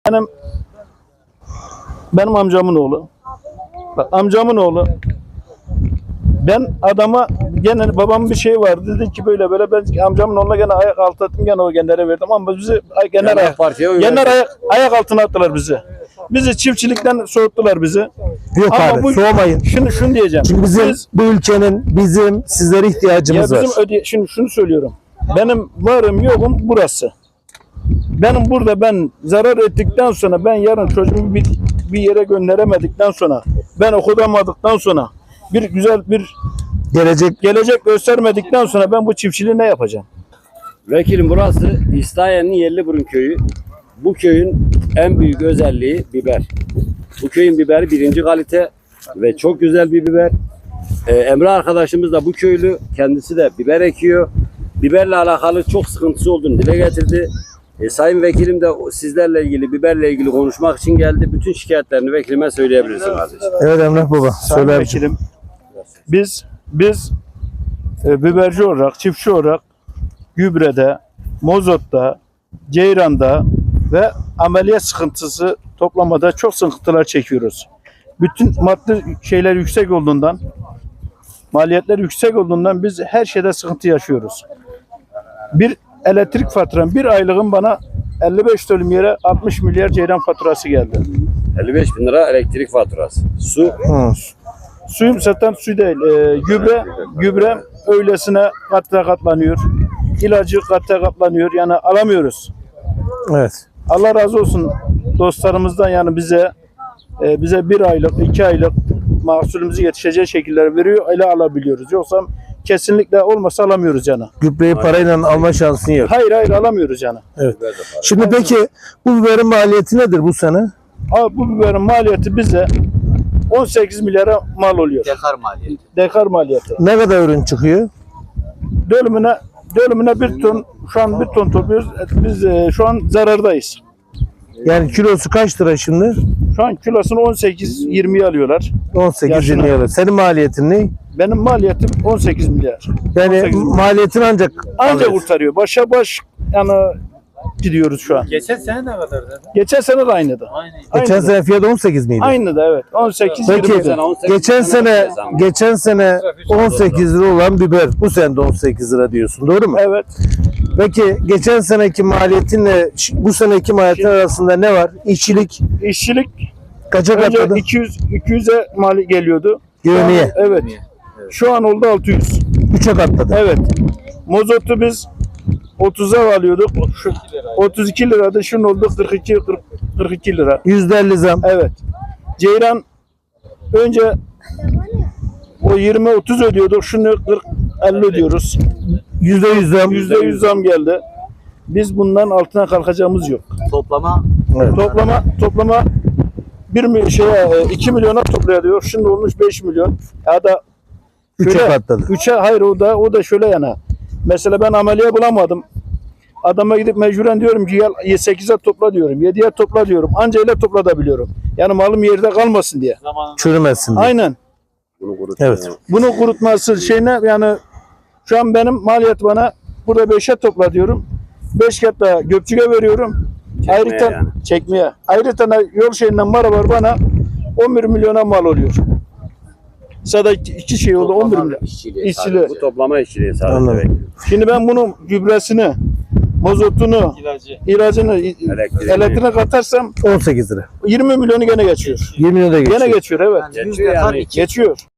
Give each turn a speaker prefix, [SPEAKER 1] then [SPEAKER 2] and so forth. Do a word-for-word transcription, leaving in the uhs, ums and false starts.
[SPEAKER 1] Benim, benim amcamın oğlu. Bak amcamın oğlu. Ben adama gene babamın bir şey vardı, dedi ki böyle böyle ben amcamın oğluna gene ayak altı attım, gene o genlere verdim ama bizi gene ayak, gene ayak, ayak altına attılar bizi. Bizi çiftçilikten soğuttular bizi.
[SPEAKER 2] Yok
[SPEAKER 1] ama
[SPEAKER 2] abi
[SPEAKER 1] bu,
[SPEAKER 2] soğumayın.
[SPEAKER 1] Şunu şunu diyeceğim.
[SPEAKER 2] Çünkü bizim
[SPEAKER 1] Biz,
[SPEAKER 2] bu ülkenin bizim sizlere ihtiyacımız
[SPEAKER 1] ya
[SPEAKER 2] var.
[SPEAKER 1] bizim öde, şimdi şunu söylüyorum. Benim varım yokum burası. Benim burada ben zarar ettikten sonra, ben yarın çocuğumu bir, bir yere gönderemedikten sonra, ben okutamadıktan sonra, bir güzel bir
[SPEAKER 2] Gelecek
[SPEAKER 1] gelecek göstermedikten sonra ben bu çiftçiliği ne yapacağım?
[SPEAKER 3] Vekilim, burası İslahiye'nin Yerliburun köyü. Bu köyün en büyük özelliği biber. Bu köyün biberi birinci kalite ve çok güzel bir biber. Ee, Emre arkadaşımız da bu köylü, kendisi de biber ekiyor. Biberle alakalı çok sıkıntısı olduğunu dile getirdi. E, Sayın Vekilim de sizlerle ilgili, biberle ilgili konuşmak için geldi. Bütün şikayetlerini vekilime söyleyebilirsin kardeşim.
[SPEAKER 2] evet Emrah Baba
[SPEAKER 1] Sayın
[SPEAKER 2] söyle.
[SPEAKER 1] Vekilim, biz biz e, biberci olarak, çiftçi olarak gübrede, mozotta, ceyranda ve ameliyat sıkıntısı toplamada çok sıkıntılar çekiyoruz. Bütün maddi şeyler yüksek olduğundan, maliyetler yüksek olduğundan biz her şeyde sıkıntı yaşıyoruz. Bir elektrik faturam, bir aylığım bana elli beş dönüm yere altmış milyar ceyran faturası geldi.
[SPEAKER 3] elli beş bin lira elektrik faturası. Su,
[SPEAKER 2] Hı.
[SPEAKER 1] Suyum zaten su değil, e, gübre, gübre öylesine katta katlanıyor. İlacı katta katlanıyor, yani alamıyoruz.
[SPEAKER 2] Evet.
[SPEAKER 1] Allah razı olsun dostlarımızdan, yani bize e, bize bir aylık, iki aylık mahsulümüzü yetişeceği şekilde veriyor, öyle alabiliyoruz. Yoksa kesinlikle olmasa alamıyoruz yani.
[SPEAKER 2] Gübreyi parayla alma şansın yok.
[SPEAKER 1] Hayır hayır alamıyoruz yani.
[SPEAKER 2] Evet. Şimdi peki bu biberin maliyeti nedir bu sene?
[SPEAKER 1] Abi bu biberin maliyeti bize on sekiz milyara mal oluyor.
[SPEAKER 4] Dekar maliyeti.
[SPEAKER 1] Dekar maliyeti.
[SPEAKER 2] Ne kadar ürün çıkıyor?
[SPEAKER 1] Dönümüne dönümüne bir ton, şu an bir ton topluyoruz. Biz e, şu an zarardayız.
[SPEAKER 2] Yani kilosu kaç lira şimdi?
[SPEAKER 1] Şu an kilosunu on sekiz yirmiye alıyorlar.
[SPEAKER 2] on sekiz yirmi
[SPEAKER 1] Yaşına.
[SPEAKER 2] lira. Senin maliyetin ne?
[SPEAKER 1] Benim maliyetim on sekiz milyar.
[SPEAKER 2] Yani
[SPEAKER 1] on sekiz milyar.
[SPEAKER 2] maliyetin ancak
[SPEAKER 1] Ancak
[SPEAKER 2] alıyorsun.
[SPEAKER 1] kurtarıyor. Başa baş yani gidiyoruz şu an.
[SPEAKER 4] Geçen sene ne kadar dedi?
[SPEAKER 1] Geçen sene de aynıydı.
[SPEAKER 4] Aynı.
[SPEAKER 2] Geçen
[SPEAKER 1] Aynıydı.
[SPEAKER 2] sene fiyat on sekiz miydi?
[SPEAKER 1] Aynı da evet. on sekiz
[SPEAKER 2] Peki
[SPEAKER 1] yirmi.
[SPEAKER 3] sene on sekiz
[SPEAKER 2] geçen
[SPEAKER 3] sene
[SPEAKER 2] sene
[SPEAKER 3] zam.
[SPEAKER 2] geçen sene on sekiz lira olan biber bu sene de on sekiz lira diyorsun, doğru mu?
[SPEAKER 1] Evet.
[SPEAKER 2] Peki geçen seneki maliyetinle ş- bu seneki maliyetin arasında ne var? İşçilik
[SPEAKER 1] İşçilik
[SPEAKER 2] kaça
[SPEAKER 1] önce
[SPEAKER 2] katladı?
[SPEAKER 1] iki yüz iki yüze mali geliyordu.
[SPEAKER 2] Yevmiye.
[SPEAKER 1] Şu an- Evet. Şu an oldu altı yüz.
[SPEAKER 2] üçe katladı.
[SPEAKER 1] Evet. Mozotu biz otuza alıyorduk. Şu otuz iki liradı. Şimdi oldu kırk iki kırk, kırk iki lira.
[SPEAKER 2] yüzde elli zam.
[SPEAKER 1] Evet. Ceyran önce o yirmi otuz ödüyorduk. Şimdi kırk elli ödüyoruz.
[SPEAKER 2] yüzde yüz zam.
[SPEAKER 1] yüzde yüz zam geldi. Biz bundan altına kalkacağımız yok.
[SPEAKER 4] Toplama
[SPEAKER 2] Evet.
[SPEAKER 1] Toplama toplama bir mi şeye iki milyona topluyor diyor. Şimdi olmuş beş milyon. Ya da
[SPEAKER 2] üçe
[SPEAKER 1] şöyle,
[SPEAKER 2] katladı.
[SPEAKER 1] Üçe hayır o da o da şöyle yana. Mesela ben ameliye bulamadım. Adama gidip mecburen diyorum ki gel sekize topla diyorum. yediye topla diyorum. Anca ile toplatabiliyorum. Yani malım yerde kalmasın diye.
[SPEAKER 4] zamanında
[SPEAKER 2] Çürümesin diye.
[SPEAKER 1] Aynen.
[SPEAKER 3] Bunu kurut.
[SPEAKER 2] Evet.
[SPEAKER 1] Bunu kurutması şeyine, yani şu an benim maliyet bana burada beşe topla diyorum. beş kat da Gökçük'e veriyorum.
[SPEAKER 3] Çekmeye
[SPEAKER 1] Ayrıca
[SPEAKER 3] yani.
[SPEAKER 1] çekmeye. Ayrıca da yol şeyinden var var bana on bir milyona mal oluyor. Sadece iki, iki şey oldu on bir milyon.
[SPEAKER 4] işçiliği.
[SPEAKER 1] İşçiliği.
[SPEAKER 3] Bu toplama işçiliği sadece.
[SPEAKER 2] Anladım.
[SPEAKER 3] vekilim.
[SPEAKER 1] Şimdi ben bunun gübresini, mazotunu,
[SPEAKER 4] İlacı.
[SPEAKER 1] ilacını,
[SPEAKER 3] Elektriğini.
[SPEAKER 1] elektriğine katarsam
[SPEAKER 2] on sekiz lira.
[SPEAKER 1] yirmi milyonu gene geçiyor.
[SPEAKER 2] yirmi lira geçiyor.
[SPEAKER 1] Gene geçiyor evet.
[SPEAKER 4] Yani yüz
[SPEAKER 3] Geçiyor
[SPEAKER 4] dekar
[SPEAKER 3] yani.
[SPEAKER 4] iki.
[SPEAKER 1] Geçiyor.